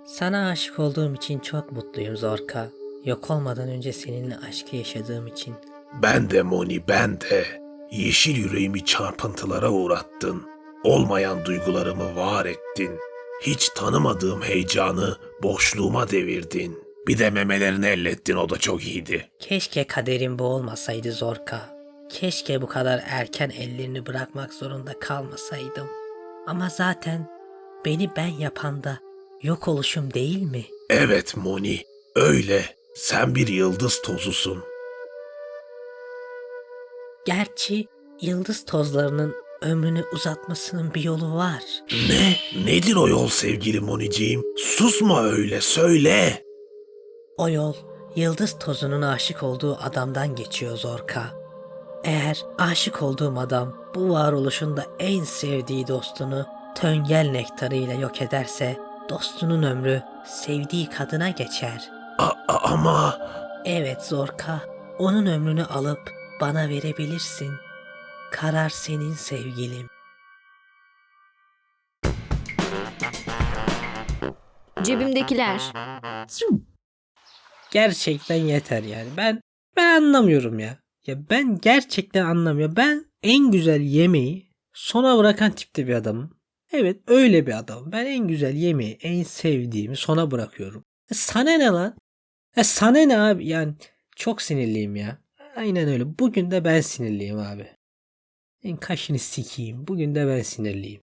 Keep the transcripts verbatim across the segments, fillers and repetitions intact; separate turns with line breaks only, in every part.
Sana aşık olduğum için çok mutluyum Zorka. Yok olmadan önce seninle aşkı yaşadığım için.
Ben de Moni, ben de. Yeşil yüreğimi çarpıntılara uğrattın. Olmayan duygularımı var ettin. Hiç tanımadığım heyecanı boşluğuma devirdin. Bir de memelerini ellettin, o da çok iyiydi.
Keşke kaderim bu olmasaydı Zorka. Keşke bu kadar erken ellerini bırakmak zorunda kalmasaydım. Ama zaten beni ben yapan da yok oluşum değil mi?
Evet Moni, öyle. Sen bir yıldız tozusun.
Gerçi yıldız tozlarının ömrünü uzatmasının bir yolu var.
Ne? Nedir o yol sevgili Moniciğim? Susma öyle, söyle.
O yol yıldız tozunun aşık olduğu adamdan geçiyor Zorka. Eğer aşık olduğum adam bu varoluşunda en sevdiği dostunu töngel nektarıyla yok ederse dostunun ömrü sevdiği kadına geçer.
A- a- ama...
Evet Zorka, onun ömrünü alıp bana verebilirsin. Karar senin sevgilim.
Cebimdekiler.
Gerçekten yeter yani. Ben ben anlamıyorum ya. Ya ben gerçekten anlamıyorum. Ben en güzel yemeği sona bırakan tipte bir adamım. Evet öyle bir adam. Ben en güzel yemeği, en sevdiğimi sona bırakıyorum. E sana ne lan? E sana ne abi? Yani çok sinirliyim ya. Aynen öyle. Bugün de ben sinirliyim abi. En kaşını sikeyim. Bugün de ben sinirliyim.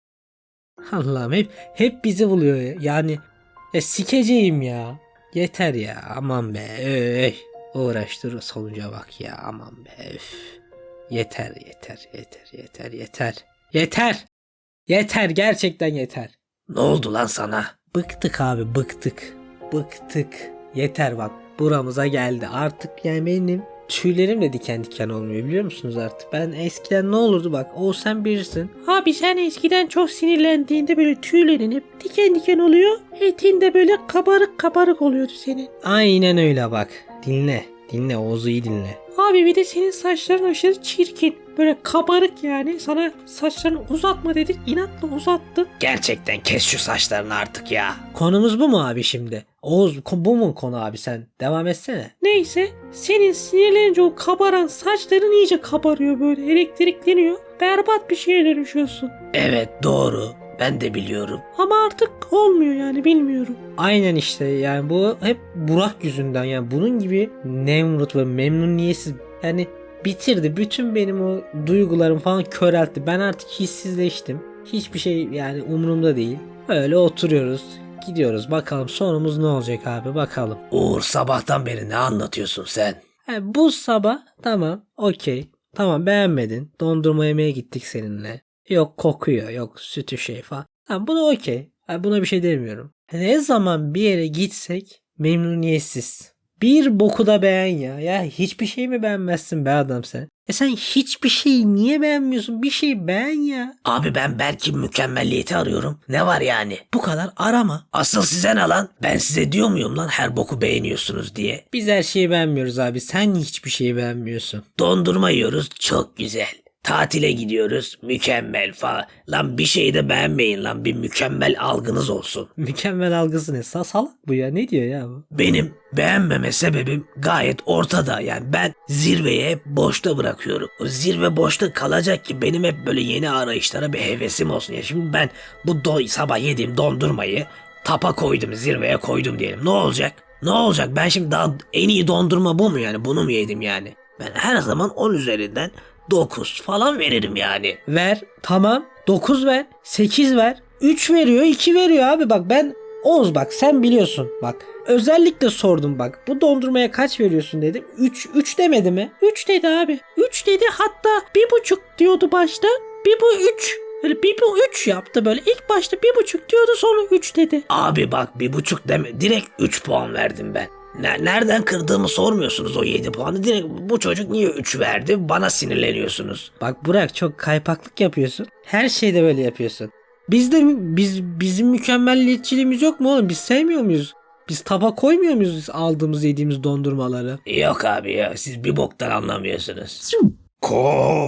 Allah'ım hep hep bizi buluyor ya. Yani ya sikeceğim ya. Yeter ya. Aman be. Öy. Uğraştır sonuca bak ya. Aman be. Üf. Yeter yeter yeter yeter yeter. Yeter. Yeter gerçekten yeter.
Ne oldu lan sana?
Bıktık abi bıktık. Bıktık. Yeter bak buramıza geldi. Artık yani benim tüylerim de diken diken olmuyor biliyor musunuz artık? Ben eskiden ne olurdu bak o sen bilirsin. Abi sen eskiden çok sinirlendiğinde böyle tüylerin hep diken diken oluyor. Etin de böyle kabarık kabarık oluyordu senin. Aynen öyle bak. Dinle. Dinle Oğuz'u iyi dinle. Abi bir de senin saçların aşırı çirkin. Böyle kabarık yani. Sana saçlarını uzatma dedik. İnatla uzattın.
Gerçekten kes şu saçlarını artık ya.
Konumuz bu mu abi şimdi? Oğuz bu mu konu abi sen? Devam etsene. Neyse senin sinirlenince o kabaran saçların iyice kabarıyor böyle elektrikleniyor. Berbat bir şeye dönüşüyorsun.
Evet doğru. Ben de biliyorum.
Ama artık olmuyor yani bilmiyorum. Aynen işte yani bu hep Burak yüzünden yani bunun gibi Nemrut ve memnuniyetsiz yani bitirdi. Bütün benim o duygularım falan köreltti. Ben artık hissizleştim. Hiçbir şey yani umurumda değil. Öyle oturuyoruz. Gidiyoruz bakalım sonumuz ne olacak abi bakalım.
Uğur sabahtan beri ne anlatıyorsun sen?
Ha, bu sabah tamam okey. Tamam beğenmedin. Dondurma yemeye gittik seninle. Yok kokuyor yok sütü şey falan. Ha, buna okey. Ha, buna bir şey demiyorum. Ne zaman bir yere gitsek memnuniyetsiz. Bir boku da beğen ya. Ya hiçbir şey mi beğenmezsin be adam sen? E sen hiçbir şeyi niye beğenmiyorsun? Bir şey beğen ya.
Abi ben belki mükemmelliyeti arıyorum. Ne var yani?
Bu kadar arama.
Asıl size ne lan? Ben size diyor muyum lan her boku beğeniyorsunuz diye?
Biz her şeyi beğenmiyoruz abi. Sen hiçbir şeyi beğenmiyorsun.
Dondurma yiyoruz çok güzel. Tatile gidiyoruz mükemmel falan. Lan bir şeyi de beğenmeyin lan, bir mükemmel algınız olsun.
Mükemmel algısı ne? Sa- Salak bu ya. Ne diyor ya bu?
Benim beğenmeme sebebim gayet ortada, yani ben zirveyi hep boşta bırakıyorum. O zirve boşta kalacak ki benim hep böyle yeni arayışlara bir hevesim olsun. Ya şimdi ben bu do- sabah yediğim dondurmayı tapa koydum, zirveye koydum diyelim. Ne olacak? Ne olacak? Ben şimdi daha en iyi dondurma bu mu yani? Bunu mu yedim yani? Ben her zaman on üzerinden dokuz falan veririm yani.
Ver. Tamam. dokuz ver. sekiz ver. üç veriyor. iki veriyor abi. Bak ben Oğuz bak sen biliyorsun. Bak özellikle sordum bak. Bu dondurmaya kaç veriyorsun dedim. üç. üç demedi mi? üç dedi abi. üç dedi hatta bir buçuk diyordu başta. Bir bu üç. Böyle bir bu üç yaptı böyle. İlk başta bir buçuk diyordu sonra üç dedi.
Abi bak bir buçuk deme, direkt üç puan verdim ben. Ne- Nereden kırdığımı sormuyorsunuz o yedi puanı. Direkt bu çocuk niye üç verdi, bana sinirleniyorsunuz.
Bak Burak çok kaypaklık yapıyorsun. Her şeyde böyle yapıyorsun. Biz de biz bizim mükemmelliyetçiliğimiz yok mu oğlum? Biz sevmiyor muyuz? Biz taba koymuyor muyuz aldığımız yediğimiz dondurmaları?
Yok abi ya, siz bir boktan anlamıyorsunuz.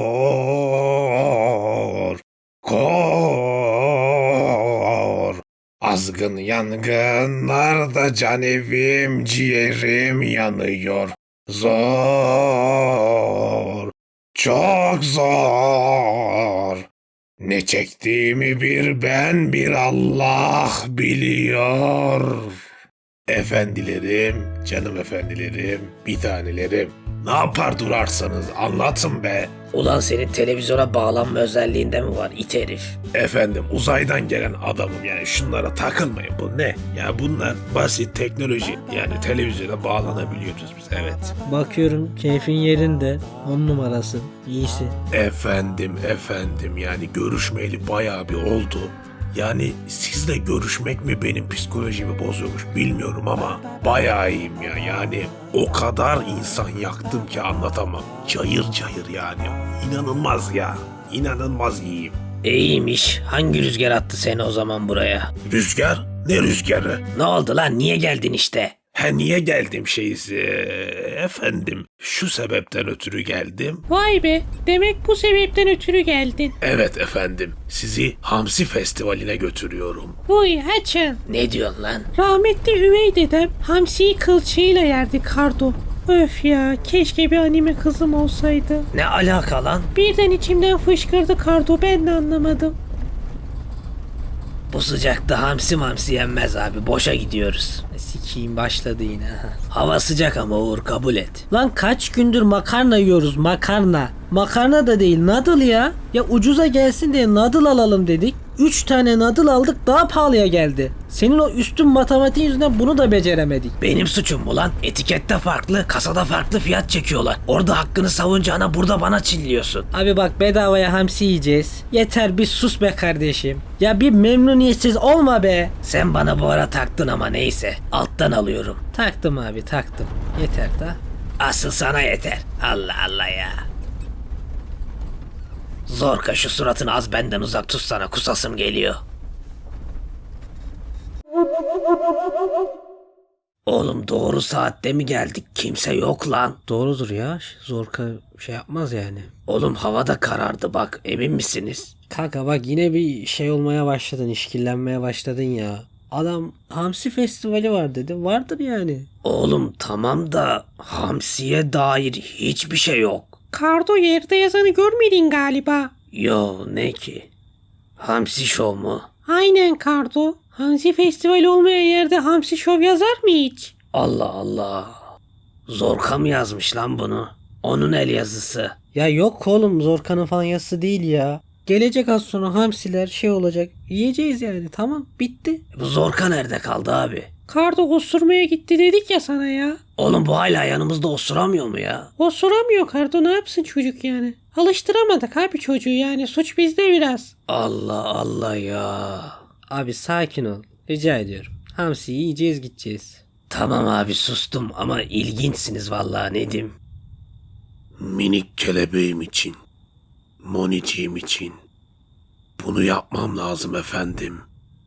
Kor, kor.
Azgın yangınlarda can evim, ciğerim yanıyor. Zor, çok zor. Ne çektiğimi bir ben bir Allah biliyor. Efendilerim, canım efendilerim, bir tanelerim. Ne yapar durarsanız anlatın be.
Ulan senin televizyona bağlanma özelliğinde mi var it herif?
Efendim uzaydan gelen adamım yani şunlara takılmayın bu ne? Ya bunlar basit teknoloji yani televizyona bağlanabiliyoruz biz evet.
Bakıyorum keyfin yerinde. On numarasın. İyisin.
Efendim efendim yani görüşmeyeli bayağı bir oldu. Yani sizle görüşmek mi benim psikolojimi bozuyormuş bilmiyorum ama bayağı iyiyim ya. Yani o kadar insan yaktım ki anlatamam. Cayır cayır yani. İnanılmaz ya. İnanılmaz iyiyim.
İyiymiş. Hangi rüzgar attı seni o zaman buraya?
Rüzgar? Ne rüzgarı?
Ne oldu lan? Niye geldin işte?
Ha niye geldim şeysi? Efendim şu sebepten ötürü geldim.
Vay be, demek bu sebepten ötürü geldin.
Evet efendim sizi Hamsi Festivali'ne götürüyorum.
Vay açın.
Ne diyorsun lan?
Rahmetli üvey dedem hamsiyi kılçığıyla yerdi Kardo. Öf ya, keşke bir anime kızım olsaydı.
Ne alaka lan?
Birden içimden fışkırdı Kardo, ben de anlamadım.
Bu sıcakta hamsi mamsi yenmez abi. Boşa gidiyoruz.
Sikiyim başladı yine. ha.
Hava sıcak ama Uğur kabul et.
Lan kaç gündür makarna yiyoruz makarna. Makarna da değil noodle ya. Ya ucuza gelsin diye noodle alalım dedik. Üç tane noodle aldık daha pahalıya geldi. Senin o üstün matematiğin yüzünden bunu da beceremedik.
Benim suçum mu lan? Etikette farklı, kasada farklı fiyat çekiyorlar. Orada hakkını savunacağına burada bana çilliyorsun.
Abi bak bedavaya hamsi yiyeceğiz. Yeter bir sus be kardeşim. Ya bir memnuniyetsiz olma be.
Sen bana bu ara taktın ama neyse. Alttan alıyorum.
Taktım abi taktım. Yeter da.
Asıl sana yeter. Allah Allah ya. Zorka şu suratını az benden uzak tutsana, kusasım geliyor. Oğlum doğru saatte mi geldik? Kimse yok lan.
Doğrudur ya. Zorka şey yapmaz yani.
Oğlum havada karardı bak, emin misiniz?
Kanka bak yine bir şey olmaya başladın. İşkillenmeye başladın ya. Adam hamsi festivali var dedi. Vardır yani.
Oğlum tamam da hamsiye dair hiçbir şey yok.
Kardo yerde yazanı görmedin galiba.
Yo ne ki? Hamsi şov mu?
Aynen Kardo. Hamsi festivali olmayan yerde hamsi şov yazar mı hiç?
Allah Allah. Zorka mı yazmış lan bunu? Onun el yazısı.
Ya yok oğlum Zorka'nın falan yazısı değil ya. Gelecek az sonra hamsiler şey olacak. Yiyeceğiz yani tamam bitti.
Bu Zorka nerede kaldı abi?
Kardo osurmaya gitti dedik ya sana ya.
Oğlum bu hala yanımızda osuramıyor mu ya?
Osuramıyor Kardo, ne yapsın çocuk yani. Alıştıramadık abi çocuğu, yani suç bizde biraz.
Allah Allah ya.
Abi sakin ol. Rica ediyorum. Hamsi yiyeceğiz gideceğiz.
Tamam abi sustum ama ilginçsiniz vallahi Nedim.
Minik kelebeğim için, Moniciğim için bunu yapmam lazım efendim.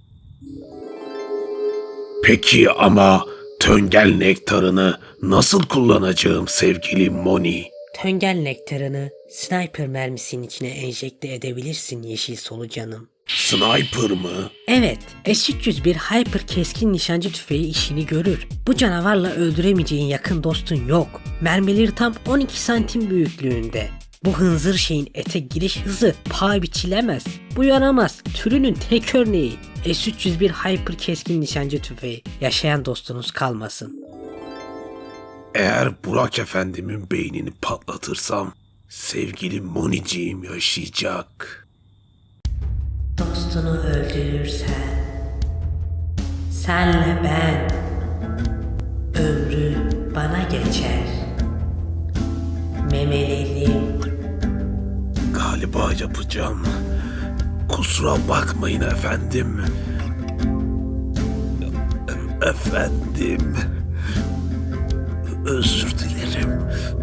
Peki ama töngel nektarını nasıl kullanacağım sevgili Moni?
Töngel nektarını sniper mermisinin içine enjekte edebilirsin yeşil solucanım.
Sniper mı?
Evet, S üç yüz bir Hyper keskin nişancı tüfeği işini görür. Bu canavarla öldüremeyeceğin yakın dostun yok. Mermileri tam on iki santim büyüklüğünde. Bu hınzır şeyin ete giriş hızı paha biçilemez. Bu yaramaz, türünün tek örneği. S üç yüz bir Hyper keskin nişancı tüfeği. Yaşayan dostunuz kalmasın.
Eğer Burak efendimin beynini patlatırsam sevgili Moniciğim yaşayacak.
Dostunu öldürürsen senle ben ömrü bana geçer. Memelerim
Galiba yapacağım. Kusura bakmayın efendim. E- Efendim. Özür dilerim.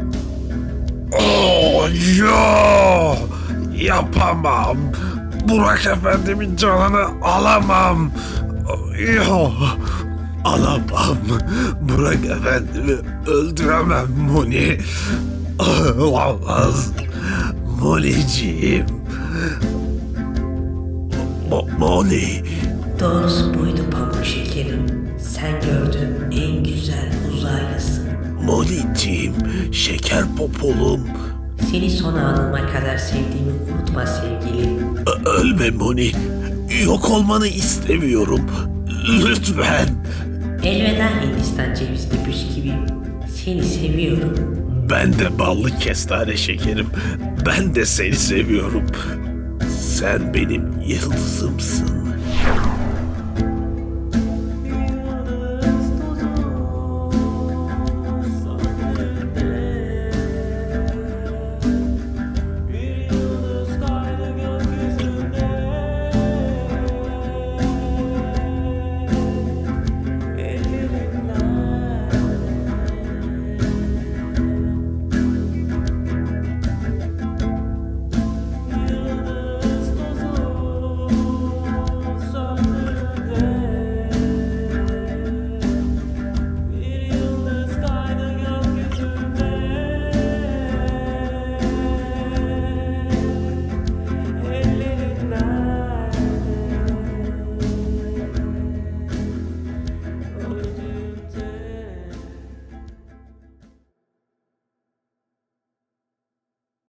Oh, yo! Yapamam. Burak efendimin canını alamam. Yo! Alamam. Burak efendimi öldüremem Moni. Olamaz. Moniciğim. Mo- Moni.
Doğrusu buydu pamuk şekerim. Sen gördüğüm en güzel uzaylısın.
Moliciğim, şeker popolum.
Seni son anıma kadar sevdiğimi unutma sevgilim.
Ö- Ölme Moni. Yok olmanı istemiyorum. Lütfen.
Elveda Hindistan cevizli bisküvim. Seni seviyorum.
Ben de ballı kestane şekerim. Ben de seni seviyorum. Sen benim yıldızımsın.